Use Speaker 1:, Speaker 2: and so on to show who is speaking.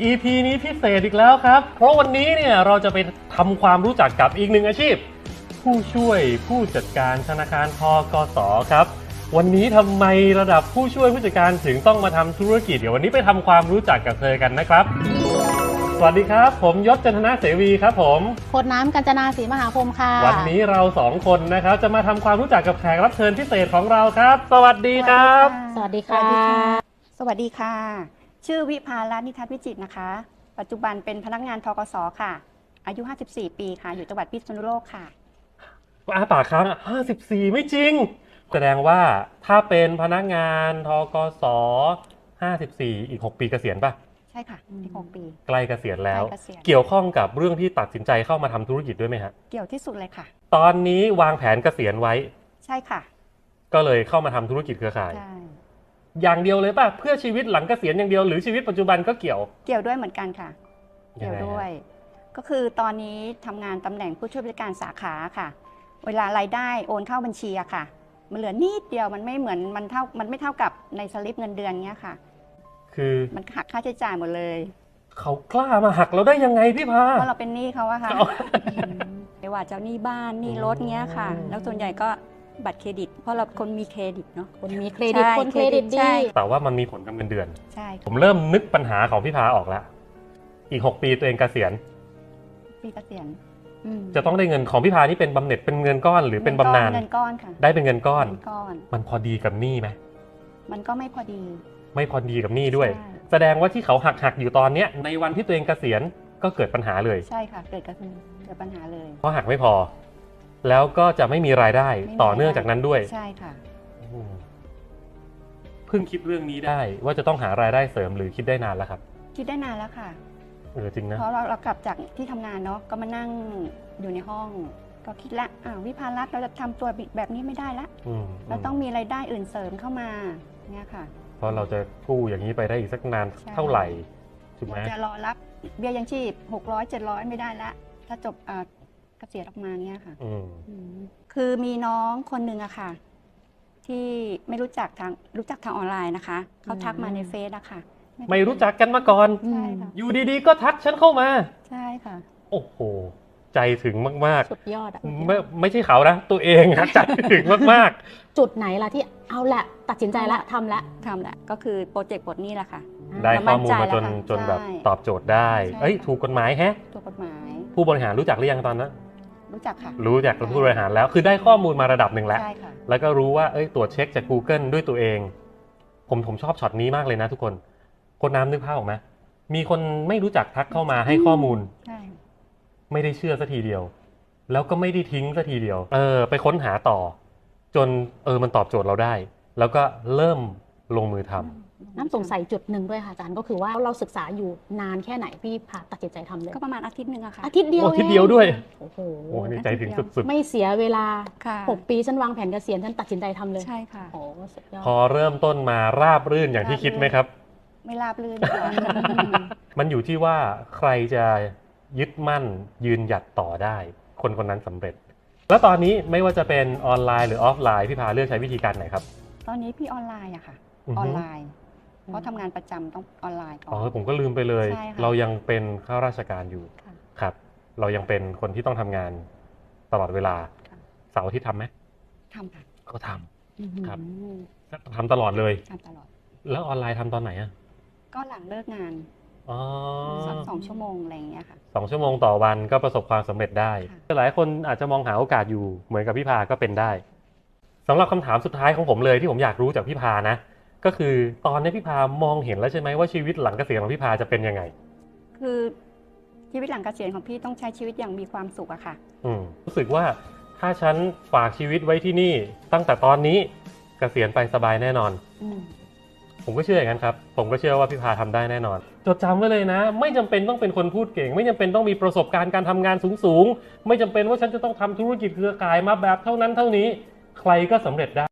Speaker 1: EP นี้พิเศษอีกแล้วครับเพราะวันนี้เนี่ยเราจะไปทำความรู้จักกับอีกหนึ่งอาชีพผู้ช่วยผู้จัดการธนาคารธกส.ครับวันนี้ทำไมระดับผู้ช่วยผู้จัดการถึงต้องมาทำธุรกิจเดี๋ยววันนี้ไปทำความรู้จักกับเธอกันนะครับสวัสดีครับผมยศจันทนาเสวีครับผม
Speaker 2: โคดน้ำกัญจนาศรีมหาพรหมค่ะ
Speaker 1: วันนี้เราสองคนนะครับจะมาทำความรู้จักกับแขกรับเชิญพิเศษของเราครับสวัสดีครับ
Speaker 2: สวัสดีค่ะ
Speaker 3: สวัสดีค่ะชื่อวิภารัตน์นิทัศน์วิจิตรนะคะปัจจุบันเป็นพนักงานธกส.ค่ะอายุ54ปีค่ะอยู่จังหวัดพิษณุโลกค่ะ
Speaker 1: ปากค้าง54ไม่จริงแสดงว่าถ้าเป็นพนักงานธกส54อีก6ปีเกษียณป่ะ
Speaker 3: ใช่ค่ะอีก6ปี
Speaker 1: ใกล้เกษียณแล้ว
Speaker 3: ใกล้เกษียณ
Speaker 1: เกี่ยวข้องกับเรื่องที่ตัดสินใจเข้ามาทำธุรกิจด้วยไหมฮะ
Speaker 3: เกี่ยวที่สุดเลยค่ะ
Speaker 1: ตอนนี้วางแผนเกษียณไว้
Speaker 3: ใช่ค่ะ
Speaker 1: ก็เลยเข้ามาทำธุรกิจเครือข่าย
Speaker 3: ใช่
Speaker 1: อย่างเดียวเลยป่ะเพื่อชีวิตหลังเกษียณอย่างเดียวหรือชีวิตปัจจุบันก็เกี่ยว
Speaker 3: ด้วยเหมือนกันค่ะเกี่ยวด้วยก็คือตอนนี้ทำงานตำแหน่งผู้ช่วยผู้จัดการสาขาค่ะเวลารายได้โอนเข้าบัญชีอะค่ะมันเหลือนิดเดียวมันไม่เหมือนมันไม่เท่ากับในสลิปเงินเดือนเงี้ยค่ะ
Speaker 1: คือ
Speaker 3: มันหักค่าใช้จ่ายหมดเลย
Speaker 1: เขากล้ามาหักเราได้ยังไงพี่พา
Speaker 3: เพราะเราเป็นหนี้เขาอะค่ะไม่ว่าจะหนี้บ้านหนี้รถเงี้ยค่ะแล้วส่วนใหญ่ก็บัตรเครดิตเพราะเราคนมีเครดิตเนาะ
Speaker 2: คนมีเครดิตคนเครดิตดี
Speaker 1: แต่ว่ามันมีผลกับเงินเดือน
Speaker 3: ใช่
Speaker 1: ผมเริ่มนึกปัญหาของพี่พาออกแล้วอีก6ปีตัวเองเกษียณ
Speaker 3: ปีเกษียณ
Speaker 1: จะต้องได้เงินของพี่พานี่เป็นบำเหน็จเป็นเงินก้อนหรือเป็นบำนาญ
Speaker 3: เงินก้อนค่ะ
Speaker 1: ได้เป็นเงินก้อนมันพอดีกับหนี้ไหม
Speaker 3: มันก็ไม่พอดี
Speaker 1: กับหนี้ด้วยแสดงว่าที่เขาหักอยู่ตอนเนี้ยในวันที่ตัวเองเกษียณก็เกิดปัญหาเลย
Speaker 3: ใช่ค่ะเกิดปัญหาเลย
Speaker 1: เพราะหักไม่พอแล้วก็จะไม่มีรายได้ต่อเนื่องจากนั้นด้วย
Speaker 3: ใช่ค่ะ
Speaker 1: เพิ่งคิดเรื่องนี้ได้ว่าจะต้องหารายได้เสริมหรือคิดได้นานแล้วครับ
Speaker 3: คิดได้นานแล้วค่ะ
Speaker 1: จริงนะ
Speaker 3: เพราะเรากลับจากที่ทำงานเนาะก็มานั่งอยู่ในห้องก็คิดละวิภารัตน์เราจะทำตัวแบบนี้ไม่ได้ละเราต้องมีรายได้อื่นเสริมเข้ามาเนี่ยค่ะ
Speaker 1: เพราะเราจะกู้อย่างนี้ไปได้อีกสักนานเท่าไหร่ถูกไหม
Speaker 3: จะรอรับเบี้ยยังชีพ600-700ไม่ได้ละถ้าจบเกษียณออกมาเนี่ยค่ะคือมีน้องคนหนึ่งอะค่ะที่ไม่รู้จักทางออนไลน์นะคะเขาทักมาในเฟซอะค่ะ
Speaker 1: ไม่รู้จักกันมาก่อน
Speaker 3: ใช่ค่ะ
Speaker 1: อยู่ดีๆก็ทักฉันเข้ามา
Speaker 3: ใช่ค่ะ
Speaker 1: โอ้โหใจถึงมาก
Speaker 2: ๆสุดยอดอะ
Speaker 1: ไม่ใช่เขานะตัวเองนะใจถึงมาก
Speaker 2: ๆจุดไหนล่ะที่เอาละตัดสินใจละทำละ
Speaker 3: ก็คือโปรเจกต์บทนี้แหละค่ะ
Speaker 1: ได้ข้อมูลมาจนแบบตอบโจทย์ได้ถูกกฎหมายแฮะ
Speaker 3: ถูกกฎหมาย
Speaker 1: ผู้บริหารรู้จักหรือยังตอนนั้น
Speaker 3: รู้จักค่ะ
Speaker 1: รู้จักผู้บริหารแล้วคือได้ข้อมูลมาระดับหนึ่งแล้วแล้วก็รู้ว่าตรวจเช็คจาก Google ด้วยตัวเองผมชอบช็อตนี้มากเลยนะทุกคนคนน้ำนึกภาพออกไหมมีคนไม่รู้จักทักเข้ามาให้ข้อมูลไม่ได้เชื่อสักทีเดียวแล้วก็ไม่ได้ทิ้งสักทีเดียวไปค้นหาต่อจนมันตอบโจทย์เราได้แล้วก็เริ่มลงมือทำ
Speaker 2: น้ำสงสัยจุดหนึ่งด้วยค่ะอาจารย์ก็คือว่าเราศึกษาอยู่นานแค่ไหนพี่พาตัดสินใจทำเลย
Speaker 3: ก็ประมาณอาทิตย์นึงอะค่ะ
Speaker 2: อาทิตย์เดียว
Speaker 1: ด้วย
Speaker 2: โอ้โห
Speaker 1: ในใจถึงสุดๆ
Speaker 2: ไม่เสียเวลา6ปีฉันวางแผนเกษียณฉันตัดสินใจทำเลย
Speaker 3: ใช่ค่ะ
Speaker 2: โอ้สุดยอด
Speaker 1: พอเริ่มต้นมาราบรื่นอย่างที่คิดไหมครับ
Speaker 3: ไม่ราบรื่น
Speaker 1: มันอยู่ที่ว่าใครจะยึดมั่นยืนหยัดต่อได้คนคนนั้นสำเร็จแล้วตอนนี้ไม่ว่าจะเป็นออนไลน์หรือออฟไลน์พี่พาเลือกใช้วิธีการไหนครับ
Speaker 3: ตอนนี้พี่ออนไลน์อะค่ะออนไลน์เพราะทำงานประจำต้องออนไลน์ก่อน
Speaker 1: ผมก็ลืมไปเลยเรายังเป็นข้าราชการอยู่ครับเรายังเป็นคนที่ต้องทำงานตลอดเวลาเสาร์อาทิตย์ทำไหม
Speaker 3: ทำค่ะ
Speaker 1: ก็ทำครับทำตลอดเลย
Speaker 3: ทำตลอด
Speaker 1: แล้วออนไลน์ทำตอนไหนอะ
Speaker 3: ก็หลังเลิกงาน2 ชั่วโมงอะไรอย่างเงี้ยค่ะ
Speaker 1: 2 ชั่วโมงต่อวันก็ประสบความสำเร็จได้หลายคนอาจจะมองหาโอกาสอยู่เหมือนกับพี่พาก็เป็นได้สำหรับคำถามสุดท้ายของผมเลยที่ผมอยากรู้จากพี่พานะก็คือตอนนี้พี่พามองเห็นแล้วใช่ไหมว่าชีวิตหลังเกษียณของพี่พาจะเป็นยังไง
Speaker 3: คือชีวิตหลังเกษียณของพี่ต้องใช้ชีวิตอย่างมีความสุขอะค่ะ
Speaker 1: รู้สึกว่าถ้าฉันฝากชีวิตไว้ที่นี่ตั้งแต่ตอนนี้เกษียณไปสบายแน่นอนผมก็เชื่ออย่างนั้นครับผมก็เชื่อว่าพี่พาทำได้แน่นอนจดจำไว้เลยนะไม่จำเป็นต้องเป็นคนพูดเก่งไม่จำเป็นต้องมีประสบการณ์การทำงานสูงๆไม่จำเป็นว่าฉันจะต้องทำธุรกิจเครือข่ายมาแบบเท่านั้นเท่านี้ใครก็สำเร็จได้